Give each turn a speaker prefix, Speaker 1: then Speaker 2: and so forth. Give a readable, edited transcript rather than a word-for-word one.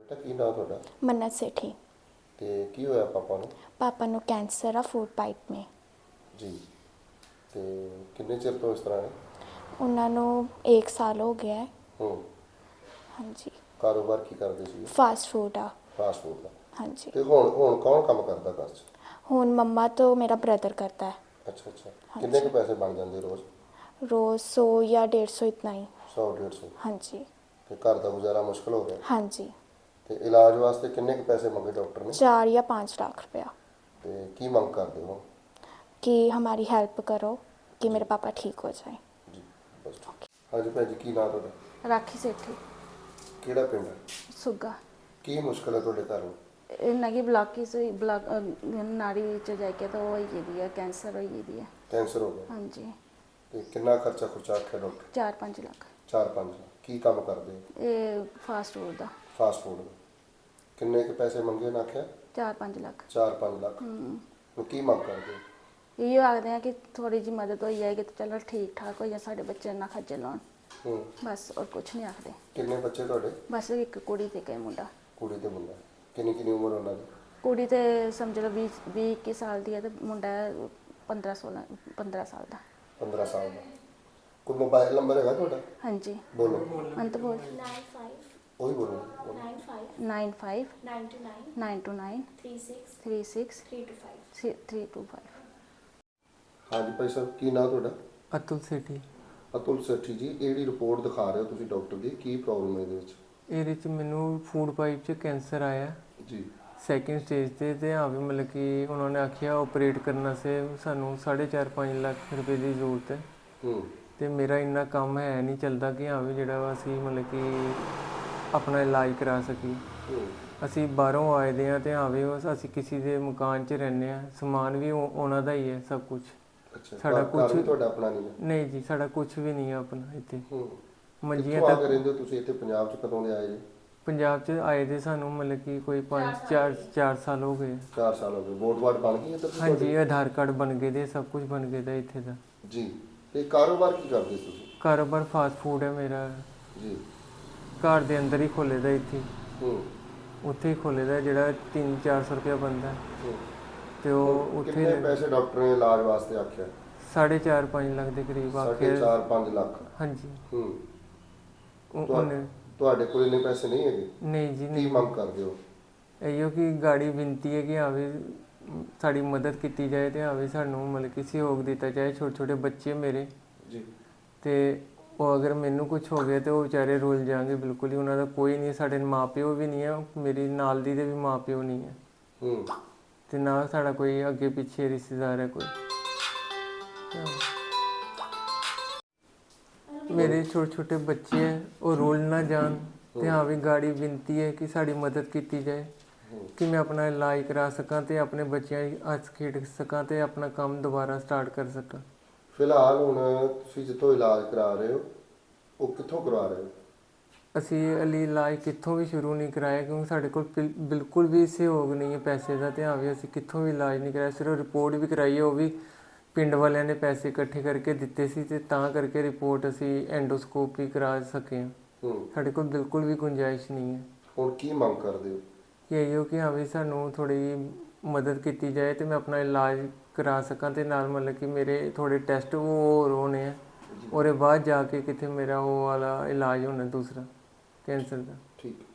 Speaker 1: ਤਾਂ ਕੀ ਨਾਂ ਤੁਹਾਡਾ
Speaker 2: मन्नत सेठी।
Speaker 1: ਤੇ ਕੀ ਹੋਇਆ ਪਾਪਾ ਨੂੰ?
Speaker 2: पापा नु कैंसर आ फूड पाइप में।
Speaker 1: ਜੀ ਤੇ ਕਿੰਨੇ ਚਿਰ ਤੋਂ ਇਸ ਤਰ੍ਹਾਂ ਨੇ?
Speaker 2: उन्होंने 1 साल हो गया है।
Speaker 1: ਹੂੰ
Speaker 2: हाँ जी।
Speaker 1: ਕਾਰੋਬਾਰ ਕੀ ਕਰਦੇ ਸੀ?
Speaker 2: फास्ट फूड आ।
Speaker 1: ਫਾਸਟ ਫੂਡ ਦਾ।
Speaker 2: हाँ जी।
Speaker 1: ਤੇ ਹੁਣ ਕੌਣ ਕੰਮ ਕਰਦਾ ਘਰ 'ਚ?
Speaker 2: हुन मम्मा तो मेरा ब्रदर करता है।
Speaker 1: ਅੱਛਾ ਅੱਛਾ ਕਿੰਨੇ ਕੁ ਪੈਸੇ ਬਣ ਜਾਂਦੇ ਰੋਜ਼?
Speaker 2: रोज़ 100 या 150 इतना ही।
Speaker 1: 100 150?
Speaker 2: हाँ जी।
Speaker 1: ਤੇ ਘਰ ਦਾ ਗੁਜ਼ਾਰਾ ਮੁਸ਼ਕਲ ਹੋ ਗਿਆ?
Speaker 2: हाँ जी।
Speaker 1: ਤੇ ਇਲਾਜ ਵਾਸਤੇ ਕਿੰਨੇ ਕੁ ਪੈਸੇ ਮੰਗੇ ਡਾਕਟਰ ਨੇ?
Speaker 2: 4 या 5 लाख रुपया।
Speaker 1: ਤੇ ਕੀ ਮੰਗ ਕਰਦੇ ਹੋ?
Speaker 2: कि हमारी हेल्प करो कि मेरे पापा ठीक हो जाए।
Speaker 1: ਜੀ ਬਸ ਹਾਂਜੀ ਭਾਈ ਜੀ ਕੀ ਨਾਂ ਤੁਹਾਡਾ?
Speaker 3: राखी सेठी
Speaker 1: ਕਿਹੜਾ ਪਿੰਡ ਹੈ?
Speaker 3: सुग्गा।
Speaker 1: ਕੀ ਮੁਸ਼ਕਲ ਹੈ ਤੁਹਾਡੇ ਘਰ ਨੂੰ?
Speaker 3: इन्ना की ब्लॉकेज ब्लॉक नाड़ी च जाके तो होई गेदी है, कैंसर होई गेदी है।
Speaker 1: ਕੈਂਸਰ ਹੋ ਗਿਆ?
Speaker 3: हाँ जी।
Speaker 1: ਤੇ ਕਿੰਨਾ ਖਰਚਾ ਖੁਰਚਾ ਆਖਿਆ ਡਾਕਟਰ?
Speaker 3: 4-5 लाख।
Speaker 1: 4-5 ਕੀ ਕੰਮ ਕਰਦੇ ਹੋ?
Speaker 3: ये फास्ट फूड दा
Speaker 1: ਫਾਸਟ ਫੂਡ ਦਾ। ਕਿੰਨੇ ਕੁ ਪੈਸੇ ਮੰਗੇ ਨਾ ਆਖਿਆ?
Speaker 3: 4-5 लाख।
Speaker 1: 4-5 ਲੱਖ। ਹੁਣ ਕੀ ਮੰਗ ਕਰਦੇ ਹੋ?
Speaker 3: इयो आखते हैं कि थोड़ी जी मदद हो जाएगी तो चलो ठीक ठाक हो जाए, साढ़े बच्चे ना खज्जल होन,
Speaker 1: ਹੂੰ
Speaker 3: बस और कुछ नहीं आखते।
Speaker 1: ਕਿੰਨੇ ਬੱਚੇ ਤੁਹਾਡੇ?
Speaker 3: बस एक कुड़ी ते एक मुंडा।
Speaker 1: ਕੁੜੀ ਤੇ ਮੁੰਡਾ? ਕਿੰਨੀ ਕਿੰਨੀ ਉਮਰ ਉਹਨਾਂ ਦੀ?
Speaker 3: कुड़ी ते समझ लो 20-21 साल दी है ते मुंडा 15 साल दा।
Speaker 1: 15 ਸਾਲ ਦਾ। ਕੋਈ ਮੋਬਾਈਲ ਨੰਬਰ ਹੈਗਾ ਤੁਹਾਡਾ?
Speaker 3: हाँ जी।
Speaker 1: ਬੋਲੋ।
Speaker 3: अंत बोल।
Speaker 2: 95
Speaker 1: ਉਹੀ ਬੋਲੋ।
Speaker 2: 95
Speaker 3: 95
Speaker 2: 929
Speaker 3: 929
Speaker 2: 36
Speaker 3: 36
Speaker 2: 325।
Speaker 3: 325।
Speaker 1: ਹਾਂਜੀ ਭਾਈ ਸਾਹਿਬ ਕੀ ਨਾਂ ਤੁਹਾਡਾ?
Speaker 4: ਅਤੁਲ ਸੇਠੀ।
Speaker 1: ਅਤੁਲ ਸੇਠੀ ਜੀ, ਇਹ ਜਿਹੜੀ ਰਿਪੋਰਟ ਦਿਖਾ ਰਹੇ ਹੋ ਤੁਸੀਂ ਡਾਕਟਰ ਦੀ, ਕੀ ਪ੍ਰੋਬਲਮ ਹੈ ਇਹਦੇ ਵਿੱਚ?
Speaker 4: ਇਹਦੇ ਚ ਮੈਨੂੰ ਫੂਡ ਪਾਈਪ 'ਚ ਕੈਂਸਰ ਆਇਆ
Speaker 1: ਜੀ
Speaker 4: ਸੈਕਿੰਡ ਸਟੇਜ ਤੇ ਆ ਵੀ ਮਤਲਬ ਕਿ ਉਹਨਾਂ ਨੇ ਆਖਿਆ ਆਪਰੇਟ ਕਰਨ ਸੇ ਸਾਨੂੰ 4.5 ਲੱਖ ਰੁਪਏ ਦੀ ਜ਼ਰੂਰਤ ਹੈ
Speaker 1: ਹੂੰ
Speaker 4: ਤੇ ਮੇਰਾ ਇੰਨਾ ਕੰਮ ਹੈ ਨਹੀਂ ਚੱਲਦਾ ਕਿ ਹਾਂ ਵੀ ਜਿਹੜਾ ਵਾ ਅਸੀਂ ਮਤਲਬ ਕਿ ਆਪਣਾ ਇਲਾਜ ਕਰਾ ਸਕੀਏ।
Speaker 1: ਹੂੰ
Speaker 4: ਅਸੀਂ ਬਾਹਰੋਂ ਆਏ ਦੇ ਹਾਂ ਤੇ ਹਾਂ ਵੀ ਅਸੀਂ ਕਿਸੇ ਦੇ ਮਕਾਨ 'ਚ ਰਹਿੰਦੇ ਹਾਂ, ਸਮਾਨ ਵੀ ਉਹਨਾਂ ਦਾ ਹੀ ਹੈ ਸਭ ਕੁਝ।
Speaker 1: ਅੱਛਾ
Speaker 4: ਸਾਡਾ
Speaker 1: ਘਰ ਵੀ
Speaker 4: ਕੁਛ
Speaker 1: ਤੁਹਾਡਾ ਆਪਣਾ ਨਹੀਂ ਹੈ?
Speaker 4: ਨਹੀਂ ਜੀ, ਸਾਡਾ ਕੁਝ ਵੀ ਨਹੀਂ ਹੈ ਆਪਣਾ ਇੱਥੇ।
Speaker 1: ਹੂੰ
Speaker 4: ਮੰਜੀਆਂ
Speaker 1: ਕਿੱਥੋਂ ਆ
Speaker 4: ਤੱਕ
Speaker 1: ਕੇ ਰਹਿੰਦੇ ਹੋ ਤੁਸੀਂ ਇੱਥੇ ਪੰਜਾਬ 'ਚ? ਕਦੋਂ ਦੇ ਆਏ ਜੀ?
Speaker 4: ਪੰਜਾਬ 'ਚ ਆਏ ਦੇ ਸਾਨੂੰ ਮਤਲਬ ਕਿ ਕੋਈ 4 ਸਾਲ ਹੋ ਗਏ।
Speaker 1: 4 ਸਾਲ ਹੋ ਗਏ। ਵੋਟ ਵਾਟ ਬਣ ਗਈ ਹੈ ਤਾਂ
Speaker 4: ਹਾਂਜੀ, ਆਧਾਰ ਕਾਰਡ ਬਣ ਗਏ ਦੇ, ਸਭ ਕੁਝ ਬਣ ਗਏ ਦਾ ਇੱਥੇ ਦਾ।
Speaker 1: ਜੀ ਤੇ ਕਾਰੋਬਾਰ ਕੀ ਕਰਦੇ ਤੁਸੀਂ?
Speaker 4: ਕਾਰੋਬਾਰ ਫਾਸਟ ਫੂਡ ਹੈ ਮੇਰਾ।
Speaker 1: ਜੀ
Speaker 4: ਘਰ ਦੇ ਅੰਦਰ ਹੀ ਖੋਲ੍ਹੇ ਦਾ ਇੱਥੇ,
Speaker 1: ਹੂੰ
Speaker 4: ਉੱਥੇ ਹੀ ਖੋਲ੍ਹੇ ਦਾ ਜਿਹੜਾ 300-400 ਰੁਪਇਆ ਬਣਦਾ
Speaker 1: ਹੂੰ
Speaker 4: ਤੇ ਉਹ ਉੱਥੇ
Speaker 1: ਕਿੰਨੇ ਪੈਸੇ ਡਾਕਟਰ ਨੇ ਇਲਾਜ ਵਾਸਤੇ ਆਖਿਆ?
Speaker 4: 4.5 ਲੱਖ ਦੇ ਕਰੀਬ ਆਖਿਆ।
Speaker 1: 4.5 ਲੱਖ?
Speaker 4: ਹਾਂਜੀ।
Speaker 1: ਹੂੰ
Speaker 4: ਉਹਨੇ
Speaker 1: ਤੁਹਾਡੇ ਕੋਲ ਇੰਨੇ ਪੈਸੇ ਨਹੀਂ ਹੈਗੇ?
Speaker 4: ਨਹੀਂ ਜੀ
Speaker 1: ਕੀ
Speaker 4: ਨਹੀਂ।
Speaker 1: ਮੰਗ ਕਰਦੇ ਹੋ?
Speaker 4: ਇਹੋ ਕਿ ਗਾੜੀ ਬੇਨਤੀ ਹੈ ਕਿ ਹਾਂ ਵੀ ਸਾਡੀ ਮਦਦ ਕੀਤੀ ਜਾਏ ਤੇ ਹਾਂ ਵੀ ਸਾਨੂੰ ਮਤਲਬ ਕਿ ਸਹਿਯੋਗ ਦਿੱਤਾ ਜਾਏ। ਛੋਟੇ ਛੋਟੇ ਬੱਚੇ ਮੇਰੇ
Speaker 1: ਜੀ
Speaker 4: ਤੇ ਉਹ ਅਗਰ ਮੈਨੂੰ ਕੁਝ ਹੋ ਗਿਆ ਤੇ ਉਹ ਵਿਚਾਰੇ ਰੁੱਲ ਜਾਣਗੇ ਬਿਲਕੁਲ ਹੀ। ਉਹਨਾਂ ਦਾ ਕੋਈ ਨਹੀਂ, ਸਾਡੇ ਮਾਪਿਓ ਵੀ ਨਹੀਂ ਹੈ, ਮੇਰੀ ਨਾਲ ਦੀ ਦੇ ਵੀ ਮਾਪਿਓ ਨਹੀਂ ਹੈ
Speaker 1: ਹੂੰ
Speaker 4: ਤੇ ਨਾ ਸਾਡਾ ਕੋਈ ਅੱਗੇ ਪਿੱਛੇ ਰਿਸ਼ਤੇਦਾਰ ਹੈ ਕੋਈ। ਮੇਰੇ ਛੋਟੇ ਛੋਟੇ ਬੱਚੇ ਹੈ, ਉਹ ਰੁੱਲ ਨਾ ਜਾਣ ਤੇ ਹਾਂ ਵੀ ਗਾੜੀ ਬੇਨਤੀ ਹੈ ਕਿ ਸਾਡੀ ਮਦਦ ਕੀਤੀ ਜਾਏ ਕਿ ਮੈਂ ਆਪਣਾ ਇਲਾਜ ਕਰਾ ਸਕਾਂ ਤੇ ਆਪਣੇ ਬੱਚਿਆਂ ਦੀ ਹੱਸ ਖੇਡ ਸਕਾਂ ਤੇ ਆਪਣਾ ਕੰਮ ਦੁਬਾਰਾ ਸਟਾਰਟ ਕਰ ਸਕਾਂ।
Speaker 1: ਫਿਲਹਾਲ ਹੁਣ ਤੁਸੀਂ ਜਿੱਥੋਂ ਇਲਾਜ ਕਰਾ ਰਹੇ ਹੋ ਉਹ ਕਿੱਥੋਂ ਕਰਵਾ ਰਹੇ ਹੋ?
Speaker 4: ਅਸੀਂ ਅਲੀ ਇਲਾਜ ਕਿੱਥੋਂ ਵੀ ਸ਼ੁਰੂ ਨਹੀਂ ਕਰਾਇਆ ਕਿਉਂਕਿ ਸਾਡੇ ਕੋਲ ਬਿਲਕੁਲ ਵੀ ਸਹਿਯੋਗ ਨਹੀਂ ਹੈ ਪੈਸੇ ਦਾ ਤੇ ਹਾਂ ਵੀ ਅਸੀਂ ਕਿੱਥੋਂ ਵੀ ਇਲਾਜ ਨਹੀਂ ਕਰਾਇਆ। ਸਿਰਫ ਰਿਪੋਰਟ ਵੀ ਕਰਾਈ ਹੈ, ਉਹ ਵੀ ਪਿੰਡ ਵਾਲਿਆਂ ਨੇ ਪੈਸੇ ਇਕੱਠੇ ਕਰਕੇ ਦਿੱਤੇ ਸੀ ਤੇ ਤਾਂ ਕਰਕੇ ਰਿਪੋਰਟ ਅਸੀਂ ਐਂਡੋਸਕੋਪ ਵੀ ਕਰਾ ਸਕੇ ਹਾਂ।
Speaker 1: ਹੂੰ
Speaker 4: ਸਾਡੇ ਕੋਲ ਬਿਲਕੁਲ ਵੀ ਗੁੰਜਾਇਸ਼ ਨਹੀਂ ਹੈ।
Speaker 1: ਹੁਣ ਕੀ ਮੰਗ ਕਰਦੇ ਹੋ?
Speaker 4: ਕਿ ਇਹੋ ਕਿ ਹਾਂ ਵੀ ਸਾਨੂੰ ਥੋੜ੍ਹੀ ਮਦਦ ਕੀਤੀ ਜਾਏ ਤੇ ਮੈਂ ਆਪਣਾ ਇਲਾਜ ਕਰਾ ਸਕਾਂ ਤੇ ਨਾਲ ਮਤਲਬ ਕਿ ਮੇਰੇ ਥੋੜ੍ਹੇ ਟੈਸਟ ਉਹ ਹੋਰ ਹੋਣੇ ਆ, ਉਹਦੇ ਬਾਅਦ ਜਾ ਕੇ ਕਿਤੇ ਮੇਰਾ ਉਹ ਵਾਲਾ ਇਲਾਜ ਹੋਣਾ ਦੂਸਰਾ ਕੈਂਸਰ ਦਾ।
Speaker 1: ਠੀਕ